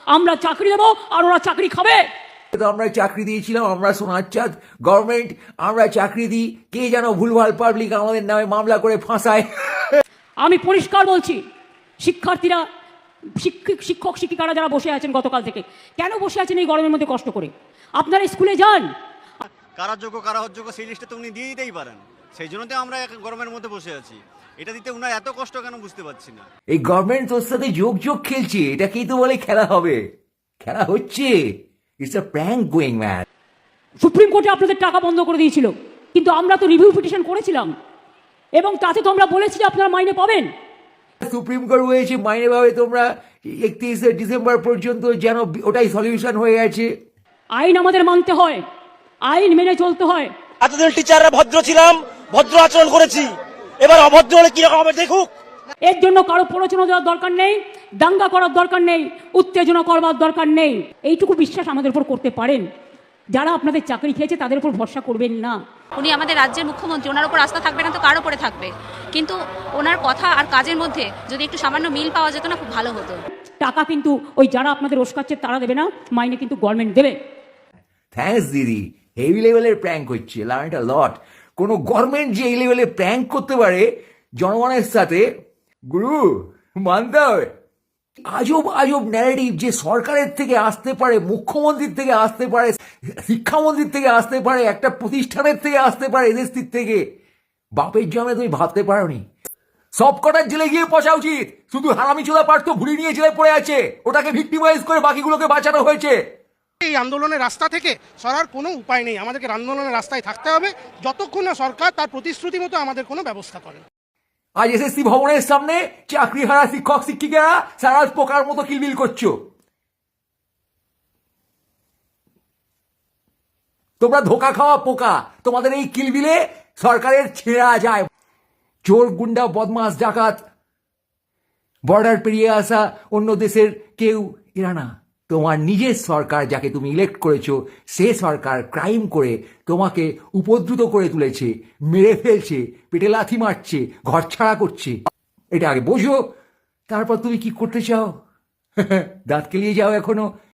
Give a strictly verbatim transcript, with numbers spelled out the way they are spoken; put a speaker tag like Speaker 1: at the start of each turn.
Speaker 1: আমরা চাকরি দেবো আর ওরা চাকরি খাবে।
Speaker 2: তো আমরা চাকরি দিয়েছিলাম, আমরা সোনার চাঁদ গভর্নমেন্ট, আমরা চাকরি দিই, কে যেন ভুলভাল পাবলিক আমাদের নামে মামলা করে ফাঁসায়।
Speaker 1: আমি পরিষ্কার বলছি, শিক্ষার্থীরা, শিক্ষক শিক্ষক শিক্ষিকারা যারা বসে আছেন গতকাল থেকে, কেন বসে আছেন এই গরমের মধ্যে কষ্ট করে? আপনারা স্কুলে যান।
Speaker 3: কারা যোগ্য কারা অযোগ্য সেই লিস্টে তো উনি দিয়ে দিতেই পারেন, সেই জন্য তো আমরা গরমের মধ্যে বসে আছি। এটা দিতে উনার এত কষ্ট কেন বুঝতে পারছি না।
Speaker 2: এই গভর্নমেন্ট তোর সাথে যোগ যোগ খেলছে, এটাকেই তো বলে খেলা হবে। খেলা হচ্ছে, it's a prank going man.
Speaker 1: Supreme কোর্টে আপনাদের টাকা বন্ধ করে দিয়েছিল, কিন্তু আমরা তো রিভিউ পিটিশন করেছিলাম এবং তাতে তো আমরা বলেছি যে আপনারা মাইনে পাবেন।
Speaker 2: সুপ্রিম কোর্ট হয়েছে মাইনে পাবে তোমরা একত্রিশে ডিসেম্বর পর্যন্ত, যেন ওটাই সলিউশন হয়ে গেছে।
Speaker 1: আইন আমাদের মানতে হয়, আইন মেনে চলতে হয়।
Speaker 4: এতদিন টিচাররা ভদ্র ছিলাম, ভদ্র আচরণ করেছি, এবার অভদ্র হলে কিরকম হবে দেখুক।
Speaker 1: এর জন্য কারো প্ররোচনা দেওয়ার দরকার নেই, দাঙ্গা করার দরকার নেই, উত্তেজনা করবার দরকার নেই। এইটুকু বিশ্বাস আমাদের উপর করতে পারেন। যারা আপনাদের চাকরি খেয়েছে তাদের উপর ভরসা করবেন না।
Speaker 5: উনি আমাদের রাজ্যের মুখ্যমন্ত্রী, ওনার উপর আস্থা থাকবে না তো কার উপরে থাকবে? কিন্তু ওনার কথা আর কাজের মধ্যে যদি একটু সামান্য মিল পাওয়া যেত না, খুব ভালো হতো।
Speaker 1: টাকা কিন্তু ওই যারা আপনাদের ওস্কাচ্ছে তারা দেবে না, মাইনে কিন্তু গভর্নমেন্ট দেবে।
Speaker 2: থ্যাঙ্কস দিদি, হেভি লেভেলের প্র্যাঙ্ক হচ্ছে, লার্ন আ লট। কোনো গভর্নমেন্ট যে এই লেভেলে প্র্যাঙ্ক করতে পারে জনগণের সাথে, গুরু মানতে হবে। আজব আজব ন্যারেটিভ যে সরকারের থেকে আসতে পারে, মুখ্যমন্ত্রীর থেকে আসতে পারে, শিক্ষামন্ত্রীর থেকে আসতে পারে, একটা প্রতিষ্ঠানের থেকে আসতে পারে, এদেশটির থেকে। বাপের জমে তুমি ভাবতে পারোনি। সব কটার জেলে গিয়ে পচা উচিত, শুধু হারামি চোদা পার্থ ভুড়ি নিয়ে জেলে পড়ে আছে, ওটাকে ভিক্টিমাইজ করে বাকিগুলোকে বাঁচানো হয়েছে।
Speaker 6: এই আন্দোলনের রাস্তা থেকে সরার কোনো উপায় নেই, আমাদেরকে আন্দোলনের রাস্তায় থাকতে হবে যতক্ষণ না সরকার তার প্রতিশ্রুতি মতো আমাদের কোনো ব্যবস্থা করে।
Speaker 2: আজ এসএসসি ভবনের সামনে চাকরি হারা শিক্ষক শিক্ষিকারা সারা পোকার মতো কিলবিল করছো। তোমরা ধোকা খাওয়া পোকা, তোমাদের এই কিলবিলে সরকারের ছেঁড়া যায়। চোর গুন্ডা বদমাস ডাকাত বর্ডার পেরিয়ে আসা অন্য দেশের কেউ এরা না, তোমার নিজের সরকার যাকে তুমি ইলেক্ট করেছো, সে সরকার ক্রাইম করে তোমাকে উপদ্রুত করে তুলেছে, মেরে ফেলছে, পেটে লাথি মারছে, ঘর ছাড়া করছে। এটা আগে বোঝো, তারপর তুমি কি করতে চাও। দাঁত কেলিয়ে যাও এখনো।